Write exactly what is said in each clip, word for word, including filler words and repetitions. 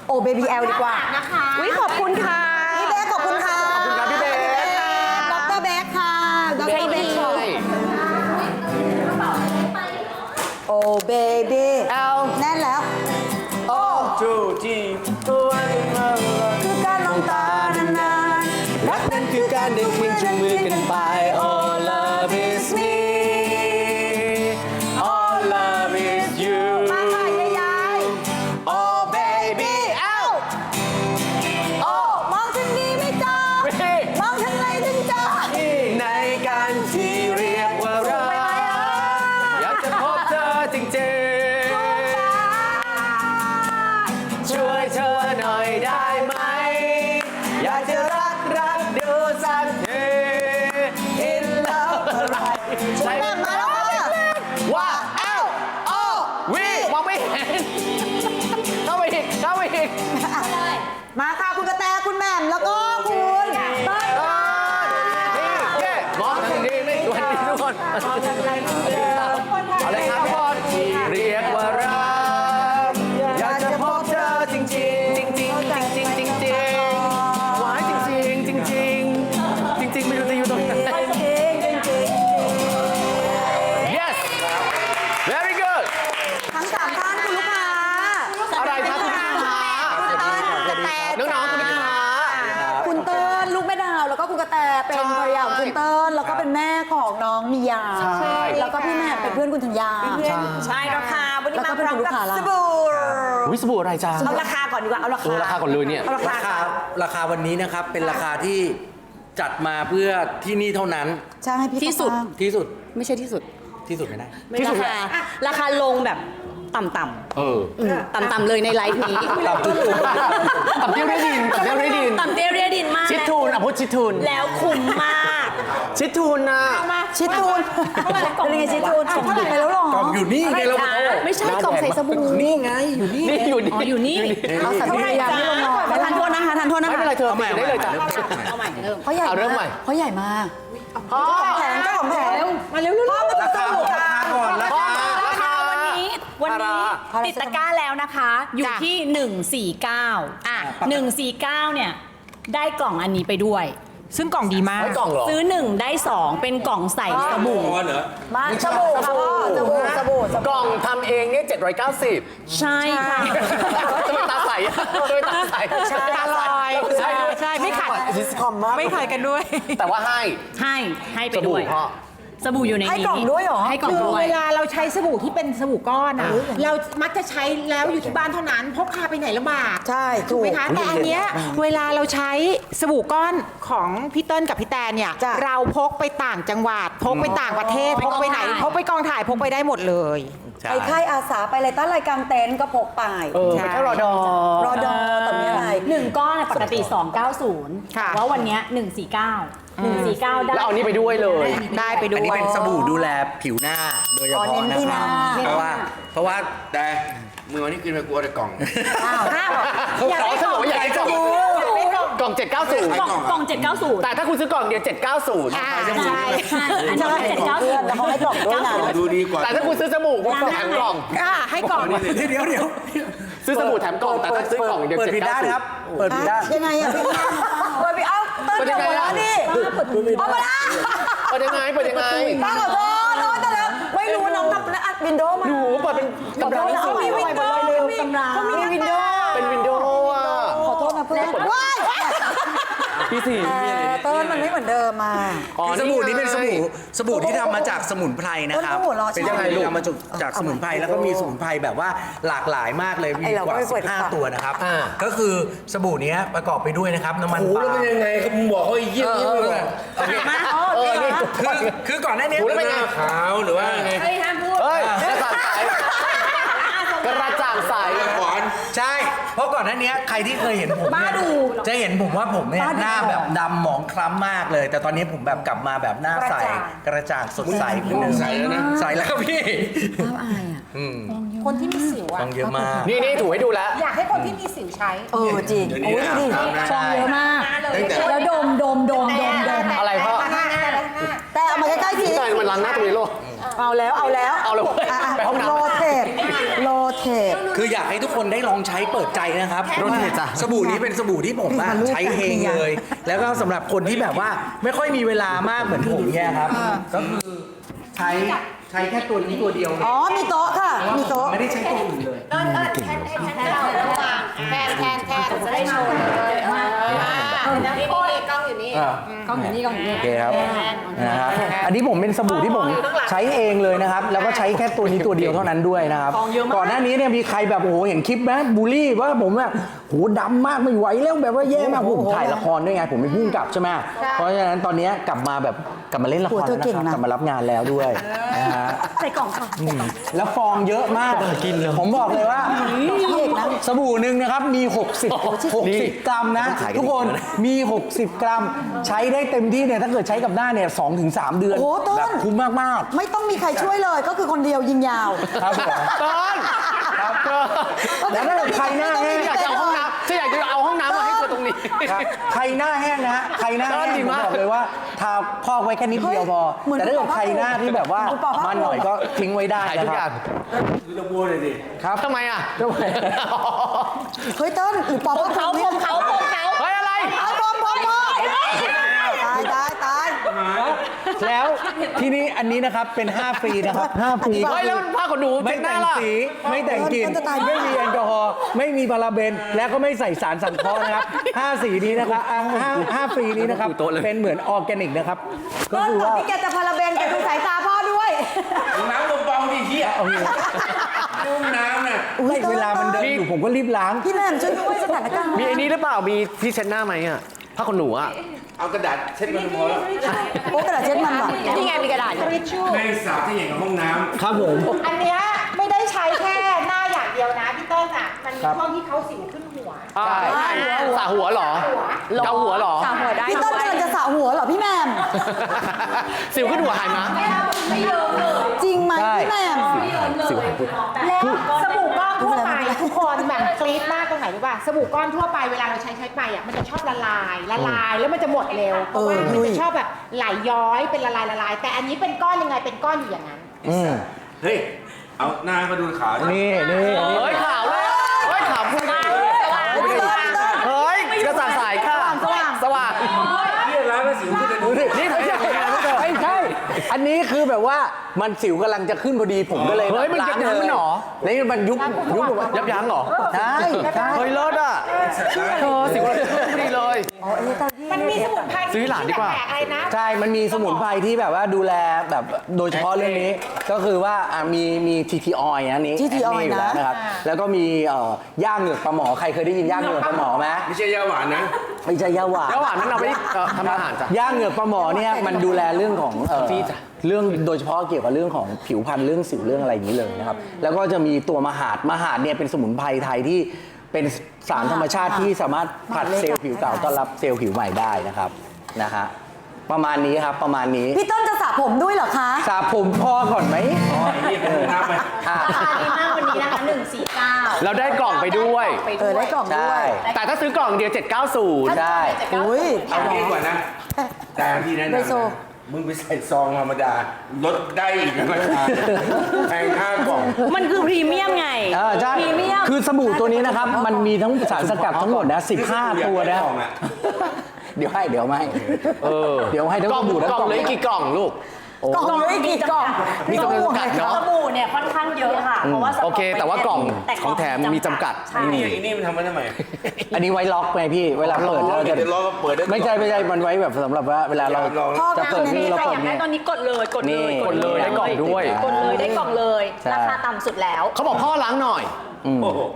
โอเบบี้แอลดีกว่านะคะวิขอบคุณค่ะพี่เบ๊ขอบคุณค่ะขอบคุณครับพี่เบ๊ดรเบ๊ค่ะดรเบ๊โอเบบี้แอลแน่นแล้วโอ้จูจีตัวคือการมองตานานๆรักนั้นคือการเดินเคียงจูงมือกันไป All love is me All love is you มาค่ะยาย Oh baby ๆเอ้าโอ้มองทางนี้ไม่จ้ามองทางไหนถึงจ้าในการที่เรียกว่ารักอยากจะพบเธอจริงๆช่วยเธอหน่อยได้ไหมอยากจะรักรักดูสักที In love อะไรใช่มาแล้วค่ะว่าเอ้าโอ้วิมองไม่เห็นเข้าไปอีกเข้าไปอีกมาค่ะคุณกระแตคุณแหม่มแล้วก็คุณเต้ยเออนี่เย้มองทางนี้ไม่สวัสดีทุกคนเอาเลยครับทุกคนเรียกว่ารักอยากจะพบเธอจริงๆจริงๆจริงๆจริงๆจริงๆจริงๆหวานจริงๆจริงๆจริงๆจริงๆไม่รู้จะอยู่ตรงไหน yes very good ทั้งสามท่านคุณลูกค้าอะไรครับคุณลูกค้า น้องๆคุณลูกค้าคุณเติ้ลลูกแม่ดาวแล้วก็คุณกระแตเป็นภรรยาของคุณเติ้ลแล้วก็เป็นแม่ของน้องมียาใช่แล้วก็พี่แหม่มเป็นเพื่อนคุณธัญญาใช่ราคาวันนี้แล้วมาก็พเป็นร้อมลูกกับค้าละสบู่วิสบูอะไรจ้าเอาราคาก่อนดีกว่าเอาราเอคาอราคาก่อนเลยเนี่ยเอาราคาราคาราคาวันนี้นะครับเป็นราคาที่จัดมาเพื่อที่นี่เท่านั้นใช่พี่ที่สุดข้างที่สุดไม่ใช่ที่สุดที่สุดไม่ได้ที่สุดราคาราคาลงแบบต่ำเออๆต่ำๆเลยในไลฟ์นี้ตับเตี้ยวได้ดินตับเตี้ยวได้ดินต่ำเตี้ยเรียดินมากชิดทูนอ่ะพูดชิดทูนแล้วคุ้มมากชิดทูนนะชิดทูนเป็นยังไงชิดทูนส่งไปแล้วหรอกล่องอยู่นี่ไงเราไม่ใช่กล่องใส่สบู่นี่ไงอยู่นี่นี่อยู่นี่อ๋ออยู่นี่เอาสัตว์พยายามไม่ลงหรอกทานโทษนะคะทานโทษนะไม่คะเป็นไรเธอเอาใหม่ได้เลยจ้ะเอาใหม่เริ่มเพราะใหญ่เอาเริ่มใหม่เพราะใหญ่มากพ่อแผงเจ้าของแผงมาเร็วๆพ่อมาถึงสบู่ราคาก่อนราคาราคาวันนี้วันนี้ติดตะกร้าแล้วนะคะ อยู่ที่หนึ่งสี่เก้าอ่ะหนึ่งสี่เก้าเนี่ยได้กล่องอันนี้ไปด้วยซึ่งกล่องดีมากไว้กล่องเหรอซื้อหนึ่งได้สองเป็นกล่องใส่สบู่เหรอมาสบู่ค่ะพ่อสบู่สบู่สกบู่ล่องทำเองเนี่ยเจ็ดร้อยเก้าสิบใช่ค่ะทำไมตาใสอ่ะทำไมตาใสตาลอยใช่ใช่ไม่ขัดดิสคอมมากไม่ขายกันด้วยแต่ว่าให้ให้ให้ไปสบู่ด้วยพ่อสบู่อยู่ในนี้ให้กล่องด้วยเหรอให้กล่องคือด้วยเวลาเราใช้สบู่ที่เป็นสบู่ก้อนอะเรามักจะใช้แล้วอยู่ที่บ้านเท่านั้นพกพาไปไหนลำบากใช่ถูกไหมคะถูกแต่อันเนี้ยเวลาเราใช้สบู่ก้อนของพี่เติ้ลกับพี่แตนเนี่ยจ้ะเราพกไปต่างจังหวัดพกไปต่างประเทศพกไปไหนพกไปกองถ่ายพกไปได้หมดเลยไปค่ายอาสาไปอะไรตั้งรายการเต็นท์ก็พกไปเออไปแค่รอดอรอดอแต่ไม่อะไรหนึ่งก้อนเนี่ยปกติสองเก้าศูนย์ค่ะแต่ว่าวันเนี้ยหนึ่งสี่เก้าหนึ่งสี่เก้าได้แล้วเอานี่ไปด้วยเลยได้ไปดูอันนี้เป็นสบู่ดูแลผิวหน้าโดยเฉอ๋อพาะเน้นนะที่คหรัน้าบเพราะว่าเพราะว่าแต่มือวันนี้กินไปกลัวแต่กล่องอ้าวอ้าวอยากได้กล่องอยากได้กล่องกล่องเจ็ดเก้าศูนย์กล่องกล่องเจ็ดเก้าศูนย์แต่ถ้าคุณซื้อกล่องเดียวเจ็ดเก้าศูนย์ใช่ใช่อันนี้เจ็ดเก้าศูนย์แล้วเขาให้กล่องด้วยนะดูดีกว่าแต่ถ้าคุณซื้อสบู่คุณแถมกล่องอ่าให้กล่องเดี๋ยวเดี๋ยวเดี๋ยวซื้อสบู่แถมกล่องแต่ถ้าซื้อกล่องเดียวเปิดเจ็ดผิดเก้าด้านศูนครับย์เปิดผิดด้านยังไงอ่ะพี่เปิดไปเอ้าเติ้ลเดี๋ยวหัวเราะดิเอามาละเปิดยังไงเปิดยังไงป้าขอโทษโทษแต่แล้วไม่รู้น้องนับและอัดวินโดว์มาหนูเปิดเป็นขอโทษนะเขามีวินโดว์เขามีเขามีวินโดว์เป็นวินโดว์อ่ะขอโทษนะเพื่อนว้ายพี่สี่แต่เติ้ลมันไม่เหมือนเดิมมาคือสบู่นี้เป็นสบู่สบู่ที่ทำมาจากสมุนไพรนะครับเออหัวเราะเป็นยังไงลูกทำมาจากจากสมุนไพรแล้วก็มีสมุนไพรแบบว่าหลากหลายมากเลยมีไอ้เรากก็ว่าไม่เปิดสิบห้าฝาตัวนะครับอ่าก็คือสบู่นี้ประกอบไปด้วยนะครับน้ำมันปลายังไงครับมึงบอกเขาอีกเยี่ยมเยี่ยมเลยเออนี่คือคือก่อนหน้านี้หูแล้วเป็นไงขาวหรือว่าไงเฮ้ยห้ามพูดเฮ้ยกระจ่างใสกระจ่างใสขวานใช่ เพราะก่อนหน้านี้ใครที่เคยเห็นผมเนี่ยจะเห็นผมว่าผมเนี่ยหน้าแบบดำหมองคล้ำมากเลย แต่ตอนนี้ผมแบบกลับมาแบบหน้าใสกระจ่างสดใสขึ้นหนึ่งใสแล้วนะใสแล้วครับพี่น้ำอายอ่ะคนที่มีสิวอะต้องเยอะมากนี่นี่ถูให้ดูแล้วอยากให้คนที่มีสิวใช้เออจริงเดี๋ยวโอ้นี้ยอาบดิน้ำนะใช่เยอะมากตั้งแต่แล้วดมดมดมดมดมอะไรพ่อแต่เอามาใกล้ๆทีพี่ตายมันล้างหน้าตรงนี้โลกเอาแล้วเอาแล้วเอาเลยะะไปห้องน้ำโรเทตโรเทเคคืออยากให้ทุกคนได้ลองใช้เปิดใจนะครับรถเทจ้ะสบู่นี้เป็นสบู่ที่ผมอะนี่ค่ะใช้เองเลย แล้วก็สำหรับคนที่แบบว่าไม่ค่อยมีเวลามากเหมือนผมเนี่ยครับ ก็คือใช้ใช้แค่ตัวนี้ตัวเดียวเลยอ๋อ มีโต๊ะค่ะ มีโต๊ะไม่ได้ใช้ตัวอื่นเลยเออเออแทนแทนแทนเราระหว่างแทนแทนแทนจะได้โชว์เลยเออนี่นี่กล้องอยู่นี่กล้องอยู่นี่กล้องอยู่นี่โอเคครับนะครับอันนี้ผมเป็นสบู่ที่ผมใช้เองเลยนะครับ แล้วก็ใช้แค่ตัวนี้ตัวเดียวเท่านั้นด้วยนะครับ ก่อนหน้านี้เนี่ยมีใครแบบโอ้โหเห็นคลิปไหมบูลลี่ว่าผมแบบโหดำมากไม่ไหวแล้วแบบว่าแย่มากผมถ่ายละครด้วยไงผมเป็นผู้กำกับใช่ไหมเพราะฉะนั้นตอนนี้กลับมาแบบกลับมาเล่นละครแล้วนะครับกลับมารับงานแล้วด้วยนะฮะใส่กล่องค่ะแล้วฟองเยอะมาก ผมบอกเลยว่าสบู่หนึ่งนะครับมี 60 60 กรัมนะ ทุกคนมี 60 กรัม ใช้ได้เต็มที่เนี่ยถ้าเกิดใช้กับหน้าเนี่ยสองถึงสามเดือนโอ้โหต้นแบบคุ้มมากไม่ต้องมีใครช่วยเลย ก็คือคนเดียวยิงยาวๆ ครับผมต้นครับแล้วถ้าเกิดใครหน้าแห้งอยากจะเอาห้องน้ำฉันอยากจะเอาห้องน้ำมาให้เธอตรงนี้ครับใครหน้าแห้งนะฮะใครหน้าแห้งดีผมมากบอกเลยว่าทาพอกไว้แค่นิดเดียวพอเหมือนแต่ถ้าเกิดใครหน้าที่แบบว่าเหมือนปอกผ้ามันหน่อยก็ทิ้งไว้ได้ขายนะทุกคอย่ารังบคือตะบัวเลยดิครับทำไมอ่ะทำไมเฮ้ยเต้นหรือปอบว่าเขาผมเขาผมเขาเฮ้ยอะไรเอาปอบปอบปอบตายตายตายแล้วที่นี้อันนี้นะครับเป็น ห้า ฟรีนะครับ ห้า ฟรีเฮ้ยแล้วผ้าขนหนูไม่เช็ดหแต่น้าง ล่ะสีไม่แต่งกลิ่นมันจะตายไม่มีแอลกอฮอล์ไม่มีพาราเบน และก็ไม่ใส่สารสังเคราะห์นะครับ ห้า สีนี้นะครับอ่าห้าห้าฟรีนี้นะครับ เป็นเหมือนออร์แกนิกนะครับ ก็เต้นคือก่อนว่าที่แกจะพาราเบนแกดูสายตาพ่อด้วยน้ำเบาๆดิเฮียนุ่มน้ำน่ะอุ๊ยเวลามันเดินอยู่ผมก็รีบล้างพี่แหม่มช่วยด้วยสถานการณ์มีอันนี้หรือเปล่า มีที่เช็ดหน้าไหมอ่ะ ผ้าขนหนูอ่ะเอากระดาษเช็ดมันพอแล้วโอ้กระดาษเช็ดมันว่ะนี่ไงมีกระดาษอยู่แม่งสาบที่อย่างกับห้องน้ำครับผมอันเนี้ยไม่ได้ใช้แค่หน้าอย่างเดียวนะพี่ต้นอ่ะ มันมีครับช่วงที่เขาสิวขึ้นหัวใช่สระหัวเหรอเกาหัวเหรอสระหัวได้พี่ต้นกำลังจะสระหัวเหรอพี่แหม่มสิวขึ้นหัวหายมั้ยไม่เยอะเลยจริงไหมใช่พี่แหม่มสิวหายปุ๊บแล้วสบู่ก้อนทั่วไปทุกคนแบบกรี๊ดมากตรงไหนรู้ป่ะสบู่ก้อนทั่วไปเวลาเราใช้ใช้ไปอ่ะมันจะชอบละลายละลายแล้วมันจะหมดเร็วเพราะว่ามันจะชอบแบบไหลย้อยเป็นละลายละลาย แต่อันนี้เป็นก้อนยังไงเป็นก้อนอยู่อย่างนั้นอืมเฮ้ย เอาหน้ามาดูขาวดินี่นี่อันนี้เฮ้ยขาวเลยเฮ้ยขาวพูดได้เฮ้ยกระจ่างใสค่ะสว่างสว่างเฮียล้างแล้วสิวขึ้นเลยดูดินี่ไม่ใช่ไม่ใช่ อันนี้คือแบบว่ามันสิวกำลังจะขึ้นพอดีผมก็เลยเฮ้ยมันล้างยับยั้งเลยเหรอแล้วมันยุบยุบแบบว่ายับยั้งเหรอใช่ใช่เฮ้ยเลิศอ่ะเธอสิวกำลังจะขึ้นพอดีเลยมันมีสมุนไพรซื้อหลานดีกว่าแปลกๆอะไรนะใช่ มันมีสมุนไพรที่แบบว่าดูแลแบบโดยเฉพาะเรื่องนี้ ก็คือว่าอ่ะมีมีทีทีออยนะนี้ที ที ออยยู่แล้วนะนะครับ แล้วก็มีเอ่อย่างเหงือกปลาหมอ ใครเคยได้ยินย่างเหงือกปลาหมอไหมไม่ใช่ยาหวานนะไม่ใช่ยาหวานแล้วหวานนั้นเอาไปเอ่อทำอาหารจ้ะย่างเหงือกปลาหมอเนี่ยมันดูแลเรื่องของเอ่อฟีดอะเรื่องโดยเฉพาะเกี่ยวกับเรื่องของผิวพรรณเรื่องสิวเรื่องอะไรอย่างนี้เลยนะครับ แล้วก็จะมีตัวมหาดมหาดเนี่ยเป็นสมุนไพรไทยที่เป็นสารธรรมชาติที่สามารถผลัดเซลล์ผิวเก่าต้อนรับเซลล์ผิวใหม่ได้นะครับนะฮะประมาณนี้ครับประมาณนี้พี่ต้นจะสระผมด้วยเหรอคะสระผมพอก่อนไหมอ๋อไอ้เฮียเป็นห้องน้ำไปอ่ะดีมากวันนี้นะคะหนึ่งสี่เก้าเราได้กล่องไปด้วยเออได้กล่องด้ใช่วยแต่ถ้าซื้อกล่องเดียวเจ็ดเก้าศูนย์ใช่อุ้ยเอางี้ดีกว่านะ แต่พี่แนะนำไดโซนะมึงไปใส่ซองธรรมดา ลดได้อีกนะราคาแพงห้ากล่องมันคือพรีเมียมไงอ่าใช่พรีเมียมคือสบู่ตัวนี้นะครับ มันมีทั้งสารสกัดทั้งหมดนะสิบห้าตัวนะกล่องอะเดี๋ยวให้เดี๋ยวไม่เออเดี๋ยวให้ทั้งกล่องสบู่ทั้งกล่องกล่องเหลยกี่กล่องลูกกล่องเลยกี่กล่องมีจำนวนจำกัดเนอะสบู่เนี่ยค่อนข้างเยอะค่ะ เพราะว่าสต็โอเคแต่ว่ากล่องแต่ของแถมมีจำกัดใช่นี่ไอ้นี่มันทำมาทำไมอันนี้ไว้ล็อกไงพี่เวลาเปิดเราจะเดี๋ยวเราเปิดได้ไม่ใช่ไม่ใช่มันไว้แบบสำหรับว่าเวลาเราลองจะเปิดพ่อนี่แม่เราใครเปิอดยากได้เนี่ยตอนนี้กดเลยกดเลยนี่กดเลยได้กล่องด้วยกดเลยได้กล่องเลยใช่ราคาต่ำสุดแล้วเขาบอกพ่อล้างหน่อยโอ้โห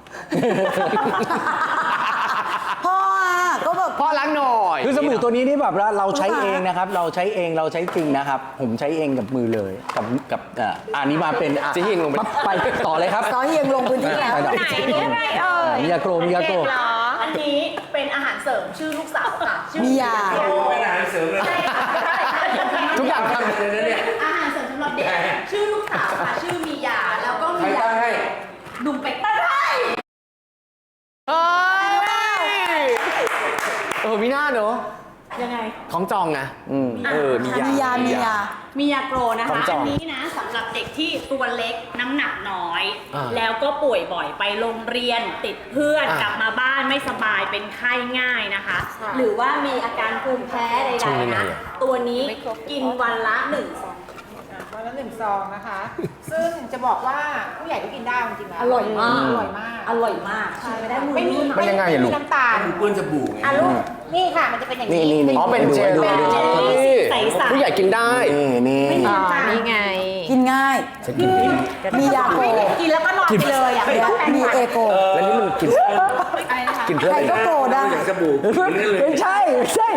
พ่ออ่ะก็แบบพ่อล้างหน่อยคือสบู่ตัวนี้นี่แบบว่าเราใช้เองนะครับ เราใช้เองเราใช้จริงนะครับ ผมใช้เองกับมือเลยกับกับอ่าอันนี้มาเป็นอ่ะจะยิงลงไปปั๊บไปต่อเลยครับซอเฮียงลงพื้นที่แล้วอ่ะไหนนี่อะไรเอ่ยมียาโกรมียาโกรเด็กเหรออันนี้เป็นอาหารเสริมชื่อลูกสาวค่ะชื่อมียาโอ้โหเป็นอาหารเสริมเลยทุกอย่างทเลยนะเนี่ยอาหารเสริมสำหรับเด็กชื่อลูกสาวค่ะชื่อมียาแล้วก็ใครมียาตั้งให้หนุ่มเป็ดตั้งให้ำเอ้ยเออมีหน้าเนอะยังไงของจองไงอืมเออมียามียามียามียาโกรนะขอคะงจองอันนี้นะสาำหรับเด็กที่ตัวเล็กน้ำหนักน้อยอ่าแล้วก็ป่วยบ่อยไปโรงเรียนติดเพื่อนอ่ากลับมาบ้านไม่สบายเป็นไข้ง่ายนะคะ หรือว่ามีอาการภูมิแพ้ใดๆนะ ตัวนี้กินวันละหนึ่งซองวันละหนึ่งซองนะคะ ซึ่งจะบอกว่าผู้ใหญ่ก็กินได้จริงๆแล้วอร่อยมากอร่อยมากอร่อยมากใช่ไม่ได้มือไม่มีมันยังไงอะลูกม่มีน้ำตาลเปื้อนสบู่ไงอ่ะลูกนี่ค่ะมันจะเป็นอย่างนี่นี้นี่นี่อ๋อเป็นเจลดูลี่ดูดูดูใสๆผู้ใหญ่กินได้นี่นี่อ่านี่ไงกินง่าย มียาโกกินแล้วก็นอนไปเลยอ่ะไม่ต้องแปรงมีฟันเอโกแล้วนี่มันกินกินเพื่อใคอะรไรก็นะโกได้อย่างสบู่กินได้เลยไม่ใช่ไม่ใช่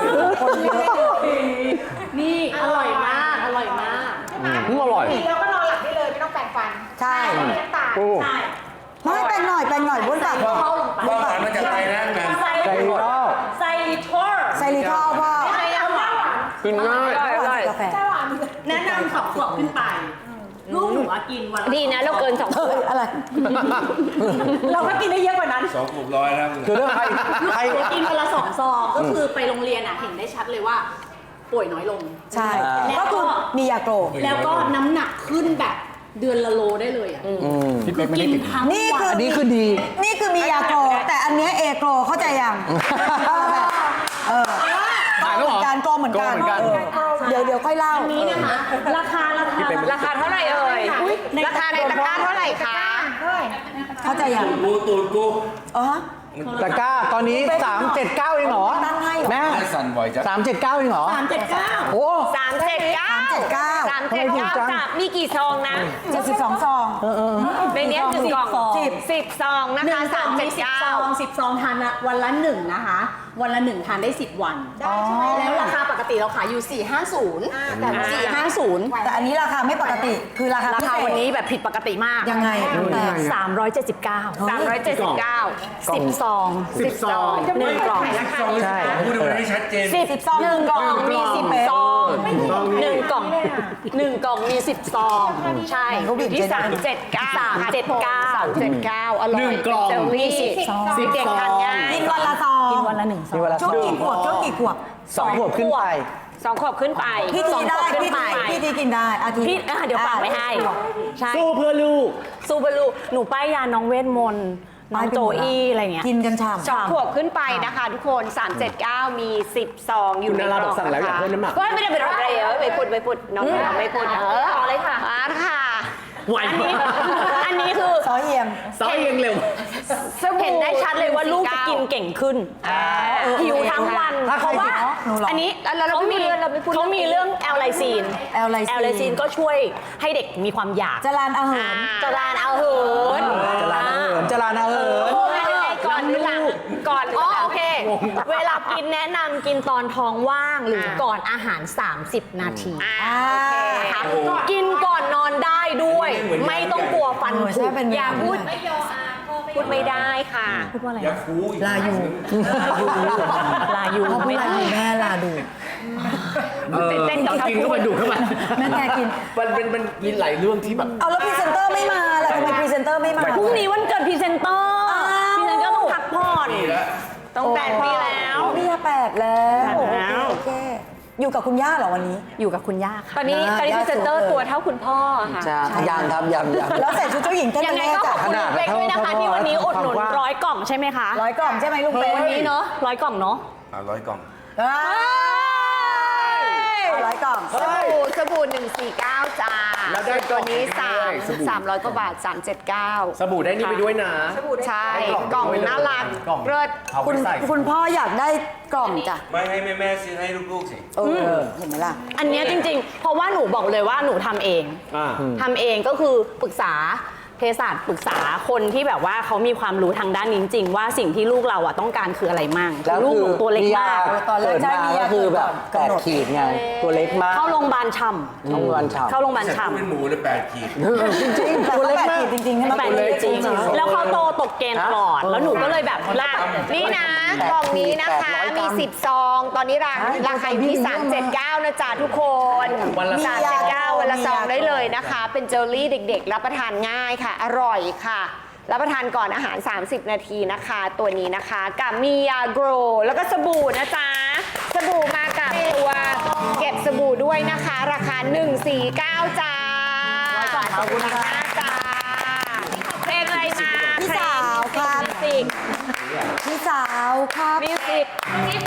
นี่อร่อยมากอร่อยมากอืมอร่อยกินแล้วก็นอนหลับได้เลยไม่ต้องแปรงฟันใช่ไม่มีน้ำตาลโอ้ใช่ไม่แปลงหน่อยแปลงหน่อยบ้วนปากเข้าลงไปว่าหวานมาจากไทยนะแมนไซไซริทอลไซริทอลไซริทอลพ่อไม่ใช่ยาหวานกินง่ายหวานกาแฟแนะนำสองขวบขึ้นไปลูกหนูว่ากินวันละดีนะเราเกินสองขเฮ้วย ดอะไรเราก็กินได้เยอะกว่านั้นสองขวบร้อยแล้วมึงคือถ้าใครใครกินวันละสองซองก็คือไปโรงเรียนอ่ะเห็นได้ชัดเลยว่า ป่วยน้อยลงใช่แล้วก็คือมียาโกแล้วก็น้ำหนักขึ้นแบบเดือนละโลได้เลยอ่ะพี่เป๊กไม่ได้กินติดทั้งนี่วัคือนอันนี้คือดีนี่คือมียาโก แต่อันเนี้ยเอโกเข้าใจยังเออถ่ายแล้วเหรอการโกเหมือนกันโกเหมือนกันเออเดี๋ยวเดี๋ยวค่อยเล่าอันนี้นะคะ ราคาราคาราคาเท่าไหร่เอ่ย ราคาในตะกร้าเท่าไหร่คะเข้าใจยังกูตูดกูเออตะกร้าตอนนี้สามเจ็ดเก้าเองเหรอตั้งให้เหรอแม่สั่นบ่อยจังสามเจ็ดเก้าเองเหรอสามเจ็ดเก้าโอ้สามเจ็ดเก้าสามเจ็ดเก้าสามเจ็ดเก้าจ้ะมีกี่ซองนะเจ็ดสิบสองซองในเนี้ยหนึ่งกล่องสิบสิบซองนะหนึ่คะงซสาอมงเจ็มีดสิบเก้าซองสิบซองทานอะวันละหนึ่งนะคะ วันละหนึ่งทานได้สิบวันได้ใช่ไหมแล้วราคาปกติเราขายอยู่สี่ห้าศูนย์แต่ว่าสี่ห้าศูนย์แต่อันนี้ราคาไม่ปกติ คือราคาราคาพิเศษวันนี้แบบผิดปกติมากยังไงแต่สามร้อยเจ็ดสิบเก้าสามร้อยเจ็ดสิบเก้าสิบซองสิบซองหนึ่งกล่องใช่พูดมันให้ชัดเจนสิบซองหนึ่งกล่องมีสิบซองหนึ่งกล่องเลยอะหนึ่งกล่องมีสิบซอง ใช่เขาบีบที่เจนสามเจ็ดเก้าสามเจ็ดเก้าสามเจ็ดเก้าอร่อยหนึ่งกล่องเจลลี่สิบซองเด็กๆทานง่ายกินวันละซองกินวันละหนึ่งซอมีงเวลาช่วงกี่ขวบช่วงกี่ขวบสองขวบขึ้นไปสองขวบขึ้นไปพี่ทีได้สองขวบขึ้นพี่ไปทีพี่ทีกินได้อาทิตย์พี่อ่ะเดี๋ยวฝากไว้ให้ ใช่สู้เพื่อลูกซูเปอร์ลูหนูป้ายยาน้องเวทมนต์น้องโจอี้อะไรเงี้ยกินกันฉ่สองขวบขึ้นไปนะคะทุกคนสามเจ็ดเก้ามีสิบซองอยู่คุณในนาก ราล่บออง กสั่งแล้วนะอยากคะเพิ่มน้ำหนักก็ไม่ได้เป็นอะไรเออไม่พูดไม่พูดน้องเราไม่พูดเออต่อเลยค่ะอ่าค่ะไหวอันมานี้กอันนี้คือๆซอเอี่ยมซ้อยยังเร็วสบู่เห็นได้ชัดเลยว่าลูกจะกินเก่งขึ้นหิวทั้งวันถ้าเพใครราะว่าหนูเหรออันนี้แล้วเราเขาไม่มีพูดเราไม่พูดเขามีเรื่องแอลไลซีนแอลไลซีนแอลไลซีนก็ช่วยให้เด็กมีความอยากจรานอาหารจรานเอาเหินจรานอาเหินจรานอาเหินก่อนหรือหลังก่อนอ๋อโอเค เวลากินแนะนำกินตอนท้องว่างหรือก่อนอาหาร สามสิบ นาทีอ่าอ่านะคะกินก่อนนอนได้ด้วย ไม่ต้องกลัวฟันเออผุใช่เป็นอย่าพูดพูดไม่ได้ค่ะพูดว่าอะไรอย่าคูอีกลาอยู่ลาอยู่พ่อพูดไม่ลาได้อยู่แม่ลาดูเออเต้นๆกับกินเข้าไปดูดเข้าไปแม่แกกินมันเป็นมันมีหลายเรื่องที่แบบเอาแล้วพรีเซนเตอร์ไม่มาล่ะทำไมพรีเซนเตอร์ไม่มาพรุ่งนี้วันเกิดพรีเซนเตอร์อ้าวพรีเซนเตอร์ต้องพักผ่อนนี่แล้วต้องแปดปีแล้วนี่แปดแล้วแปดแล้วโอเคอยู่กับคุณย่าเหรอวันนี้อยู่กับคุณย่าค่ะตอนนี้อ่าตอนนี้พรีเซนเตอร์ยากสุดเลยตัวเท่าคุณพ่อค่ะจะยังครับยังยังแล้วใส่ชุดเจ้าหญิงเต้นยังไงแรก็กขอบอะคุณขนาดเป๊กด้วยนะคะเท่าที่วันนี้อุดหนุนความกว้างร้อยกล่องใช่ไหมคะร้อยกล่องใช่ไหมลุงเป๊กวันนี้เนอะร้อยกล่องเนอะอ่ะร้อยกล่องเอ้ยร้อยกล่องสบู่สบู่หนึ่งสี่เก้าจ้าแล้วได้ตัวนี้กล่สาองมด้วยสบู่สามร้อยกว่าบาทสามเจ็ดเก้าสบู่ได้นี่ไปด้วยนะใช่กล่องน่ารักกล่องเลิศเอาไปคุณใส่คุณพ่ออยากได้กล่องจ้ะไม่ให้แม่แม่ๆซื้อให้ลูกๆสิเออเห็นไหมล่ะอันเนี้ยจริงๆ เพราะว่าหนูบอกเลยว่าหนูทำเองอ่าทำเองก็คือปรึกษาเภสัชปรึกษาคนที่แบบว่าเขามีความรู้ทางด้านนี้จริงๆว่าสิ่งที่ลูกเราอ่ะต้องการคืออะไรมั่งแล้วลูกคือหนูตัวเล็กมียมากตอนแรกเกิดใช่มามียาก็คือแบบเกิแปดก่อนดขีดไง ตัวเล็กมากเข้าโรงพยาบาลช่โรงพยาบาลำฉ่ำเข้าโรงพยาบาลแต่ช่ถ้าเป็นหมูเลยแปดขีดจริงๆแต่ตัวก็เล็กแปดมาขีกดจริงๆใช่ไหมำแปดเลยจริงแล้วเขาโตตกเกณฑ์ตลอด แล้วหนูก็เลยแบบแล้วนี่นะกล่องนี้นะคะมีสิบซอง ตอนนี้ราคาราคาอยู่ที่สามเจ็ดเก้านะจ๊ะทุกคนวันละสามเจ็ดเก้าวันละซองได้เลยนะคะ เป็นเจลลี่เด็กๆ รับประทานง่ายค่ะ อร่อยค่ะ รับประทานก่อนอาหาร สามสิบ นาทีนะคะ ตัวนี้นะคะกับมียาโกรแล้วก็สบู่นะจ๊ะ สบู่มากับตัวเก็บสบู่ด้วยนะคะ ราคาหนึ่งสี่เก้าจ้าขอบคุณค่ะจ้าเพลงอะไรมาพี่สาวครับมิวสิกพี่สาวครับมิวสิก